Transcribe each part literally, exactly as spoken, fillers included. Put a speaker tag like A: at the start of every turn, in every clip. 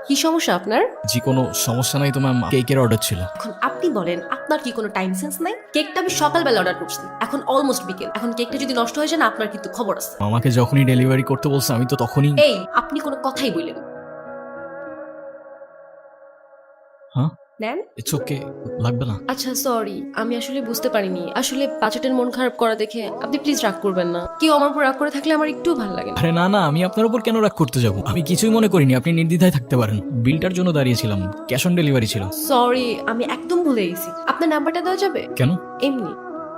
A: কি সমস্যা আপনার?
B: জি কোনো সমস্যা নাই তো ম্যাম, কেকের অর্ডার ছিল।
A: এখন আপনি বলেন, আপনার কি কোনো টাইম সেন্স নাই? কেকটা আমি সকালবেলা অর্ডার করছি, এখন অলমোস্ট বিকেল। এখন কেকটা যদি নষ্ট হয়ে যায় না, আপনার কিন্তু খবর আছে।
B: আমাকে যখনই ডেলিভারি করতে বলছে আমি তো তখনই।
A: এই, আপনি কোনো কথাই বললেন।
B: হ্যাঁ
A: নেন।
B: ইটস ওকে, লাগবে না।
A: আচ্ছা সরি, আমি আসলে বুঝতে পারিনি। আসলে বাচ্চাটার মন খারাপ করা দেখে আপনি প্লিজ রাগ করবেন না। কেউ আমার উপর রাগ করে থাকলে আমার একটু ভালো লাগে না।
B: আরে না না, আমি আপনার উপর কেন রাগ করতে যাব? আমি কিছুই মনে করিনি, আপনি নির্দ্বিধায় থাকতে পারেন। বিলটার জন্য দাঁড়িয়েছিলাম, ক্যাশ অন ডেলিভারি ছিল।
A: সরি, আমি একদম ভুলে গেছি। আপনার নাম্বারটা দেওয়া যাবে?
B: কেন?
A: এমনি।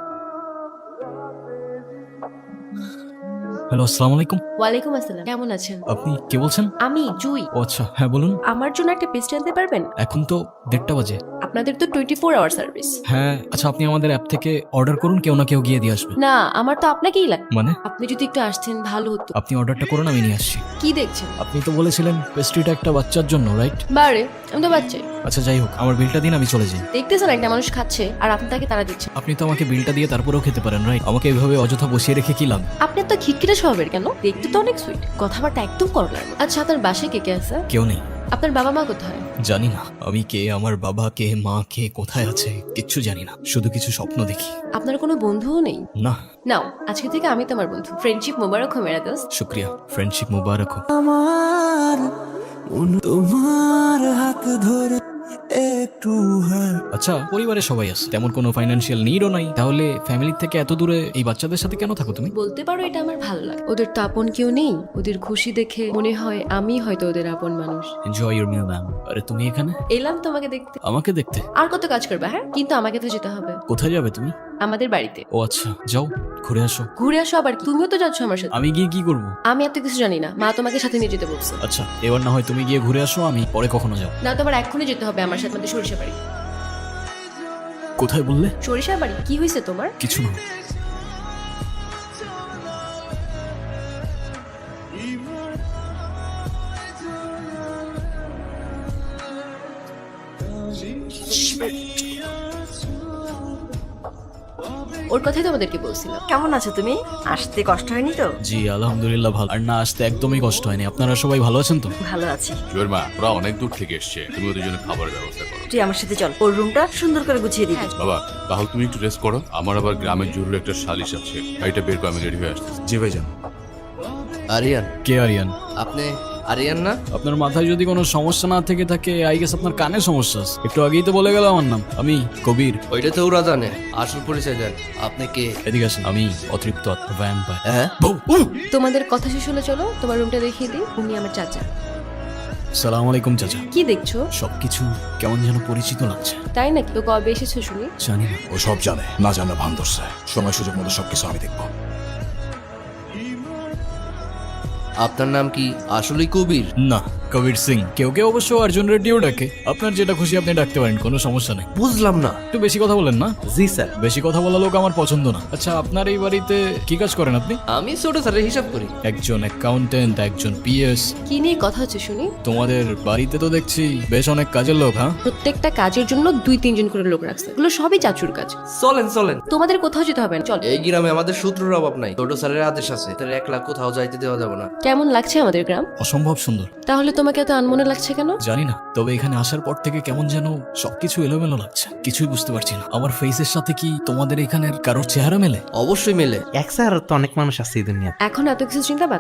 B: হ্যালো, আসসালামু আলাইকুম।
A: ওয়ালাইকুম আসসালাম, কেমন আছেন?
B: আপনি কে বলছেন?
A: আমি জুই।
B: ও আচ্ছা, হ্যাঁ বলুন।
A: আমার জন্য একটা পেস্ট্রি আনতে পারবেন?
B: এখন তো দেড়টা বাজে।
A: আপনাদের তো টোয়েন্টি ফোর আওয়ার সার্ভিস।
B: হ্যাঁ আচ্ছা, আপনি আমাদের অ্যাপ থেকে অর্ডার করুন, কেউ না কেউ গিয়ে দিয়ে আসবে।
A: না, আমার তো আপনাকেই লাগবে।
B: মানে?
A: আপনি যদি একটু আসতেন ভালো হতো।
B: আপনি অর্ডারটা করুন, আমি নিয়ে আসছি।
A: কি দেখছেন?
B: আপনি তো বলেছিলেন পেস্ট্রিটা একটা বাচ্চার জন্য, রাইট?
A: বারে, আমি তো বাচ্চাই।
B: আচ্ছা যাই হোক, আমার বিলটা দিন, আমি চলে যাই।
A: দেখতেছেন একটা মানুষ খাচ্ছে আর আপনি তাকে তারা দিচ্ছেন।
B: আপনি তো আমাকে বিলটা দিয়ে তারপরেও খেতে পারেন, রাইট? আমাকে এভাবে অযথা বসিয়ে রেখে কি লাভ?
A: আপনি তো খিটখিটে স্বভাবের কেন? দেখতে তো অনেক সুইট, কথাবার্তা একদম করলার মতো। আচ্ছা, আপনার বাসায় কে কে আছে?
B: কেউ নেই।
A: আপনার বাবা মা কোথায়?
B: জানি না আমি কে, আমার বাবা কে, মা কে, কোথায় আছে কিচ্ছু জানি না, শুধু কিছু স্বপ্ন দেখি।
A: আপনার কোনো বন্ধুও নেই?
B: না।
A: নাও, আজকে থেকে আমি তোমার বন্ধু। ফ্রেন্ডশিপ মোবারক হো মেরা দোস্ত।
B: শুক্রিয়া, ফ্রেন্ডশিপ মুবারক হোক।
C: আমার মন তোমার হাত ধরে একটু হাত
B: আচ্ছা, পরিবারে সবাই আছে, তেমন কোনো ফাইনান্সিয়াল নিডও নাই, তাহলে ফ্যামিলি থেকে এত দূরে এই বাচ্চাদের সাথে কেন থাকো তুমি?
A: বলতে পারো এটা আমার ভালো লাগে। ওদের তো আপন কেউ নেই, ওদের খুশি দেখে মনে হয় আমি হয়তো ওদের আপন মানুষ।
B: Enjoy your meal ma'am. আরে তুমি এখানে?
A: এলাম তোমাকে দেখতে।
B: আমাকে দেখতে?
A: আর কত কাজ করবে? হ্যাঁ, কিন্তু আমাকে তো যেতে হবে
B: কোথায় যাবে তুমি?
A: আমাদের বাড়িতে।
B: ও আচ্ছা, যাও ঘুরে আসো।
A: ঘুরে আসো আবার কি? তুমিও তো যাচ্ছ আমার সাথে।
B: আমি গিয়ে কি করব?
A: আমি এত কিছু জানি না, মা তোমাকে সাথে নিয়ে যেতে বলছে।
B: আচ্ছা এবার না হয় তুমি গিয়ে ঘুরে আসো, আমি পরে কখনো যাও।
A: না, তোমার এক্ষুনি যেতে হবে আমার সাথে আমাদের সরিষা বাড়ি।
B: কোথায় বললে?
A: সরিষা বাড়ি? কি হয়েছে তোমার?
B: কিছু না।
A: ওর কথাই তোমাদেরকে বলছিলাম।
D: কেমন আছো তুমি? আসতে কষ্ট হয়নি তো?
B: জি আলহামদুলিল্লাহ ভালো, আর না আসতে একদমই কষ্ট হয়নি। আপনারা সবাই ভালো আছেন তো?
D: ভালো আছি।
E: জুয়ের মা, ওরা অনেক দূর থেকে এসছে, তুমি ওদের জন্য খাবারের ব্যবস্থা করো।
D: তুই আমার সাথে চল, ওর রুমটা সুন্দর করে গুছিয়ে দিবি।
E: বাবা, তাহলে তুমি একটু রেস্ট করো, আমার আবার গ্রামের জরুরি একটা সালিশ আছে, গাড়িটা বের করে আমি রেডি হয়ে আসতেছি।
F: জি ভাইজান।
G: আরিয়ান,
B: কে আরিয়ান?
G: আপনি আরিয়ান না?
B: আপনার মাথায় যদি কোনো সমস্যা না থেকে থাকে, আই গেস আপনার কানে সমস্যা আছে। একটু আগেই তো বলে গেল আমার নাম, আমি কবির।
G: ওইটা তো ওরা জানে, আসল পরিচয় দেন। আপনি কে?
B: এদিকে আসেন, আমি অতৃপ্ত আত্মা ভ্যাম্পায়ার।
G: হ্যাঁ,
A: তোমাদের কথা শেষ হলে চলো তোমার রুমটা দেখিয়ে দিই। উনি আমার চাচা।
B: সালাম আলাইকুম চাচা।
A: কি দেখছো?
B: সবকিছু কেমন যেন পরিচিত লাগছে।
A: তাই নাকি? তো কবে এসেছো শুনি?
B: জানি না।
F: ও সব জানে, না জানা ভান ধরছে। সময় সুযোগ মতো সবকিছু আমি দেখবো।
G: আপনার নাম কি আসলেই কবির?
B: না, কবির সিং। কেউ কেউ অবশ্য অর্জুন রেড্ডিও ডাকে। আপনার যেটা খুশি আপনি ডাকতে পারেন, কোনো সমস্যা নেই।
G: বুঝলাম না।
B: একটু বেশি কথা বলেন না।
G: জি স্যার।
B: বেশি কথা বলা লোক আমার পছন্দ না। আচ্ছা, আপনার এই বাড়িতে কি কাজ করেন আপনি?
G: আমি ছোট স্যারের হিসাব করি।
B: একজন অ্যাকাউন্টেন্ট, একজন পিএস।
A: কি নিয়ে কথা হচ্ছে শুনি?
B: তোমাদের বাড়িতে তো দেখছি বেশ অনেক কাজের লোক। হ্যাঁ,
A: প্রত্যেকটা কাজের জন্য দুই তিনজন করে লোক রাখছে। এগুলো সবই চাচুর কাজ।
G: চলেন চলেন।
A: তোমাদের কোথাও যেতে হবে না, চল।
G: এই গ্রামে আমাদের সূত্রের অভাব নাই, ছোট স্যারের আদেশ আছে, তার এক লাখ কোথাও যাইতে দেওয়া যাবে না।
A: কেমন লাগছে আমাদের গ্রাম?
B: অসম্ভব সুন্দর।
A: তাহলে তোমাকে এত আনমনে লাগছে কেন?
B: জানি না, তবে এখানে আসার পর থেকে কেমন যেন সবকিছু এলোমেলো লাগছে, কিছুই বুঝতে পারছি না। আমার ফেসের সাথে কি তোমাদের এখানের কারোর চেহারা মেলে?
G: অবশ্যই মেলে।
H: এক স্যার তো অনেক মানুষ আছে এই দুনিয়া।
A: এখন এত কিছু চিন্তা বাদ